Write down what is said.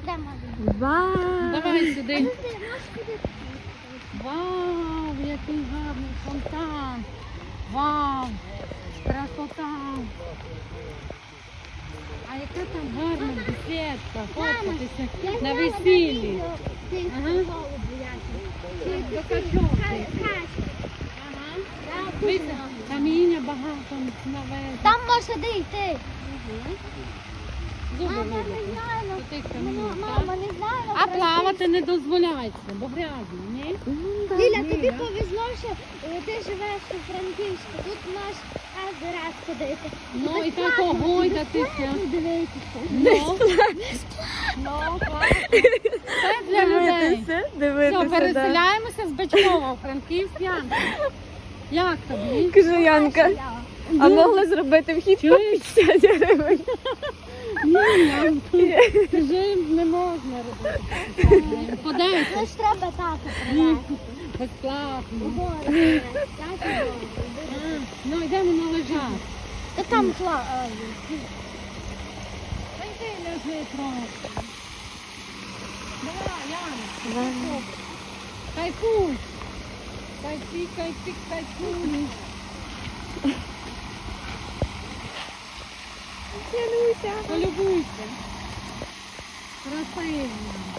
йдемо. Вау! Давай сюди. Ти можеш ходити? Вау, який гарний фонтан. Вау, красота. А яка там гарна бесідка, фоткатися на весіллі. Ага. До качовки. Ага. Видно, каміння багато навезли. Там можна дійти. Зуби Мама, видно. не знаю. До тих камінь, так? Мама, не знаю. А плавати не дозволяється, бо грязно, ні? Ліля, Ні, тобі я- повезло, що ти живеш у Франківську. Тут можеш кожен раз ходити. Ну і так огойдатися. Дивитися. Ну, ну, класно. Це для людей. Все, Дивитися, да. переселяємося з Бачкова у Франківськ, Янка. Як тобі? Кажу, Янка, а могли зробити вхід по Чуєш? 50 гривень? Ні, Янка, скажи, не можна робити. По 10. Ну ж треба тата Ні, привезти. безплатно. Угору привезти. Ну, йдемо на лежак. Та там Та йди ляжи трохи. Давай, Янка. Кайфуй. Кайфі, кайфі, кайфуй. Януся. Полюбуйся. Красиво.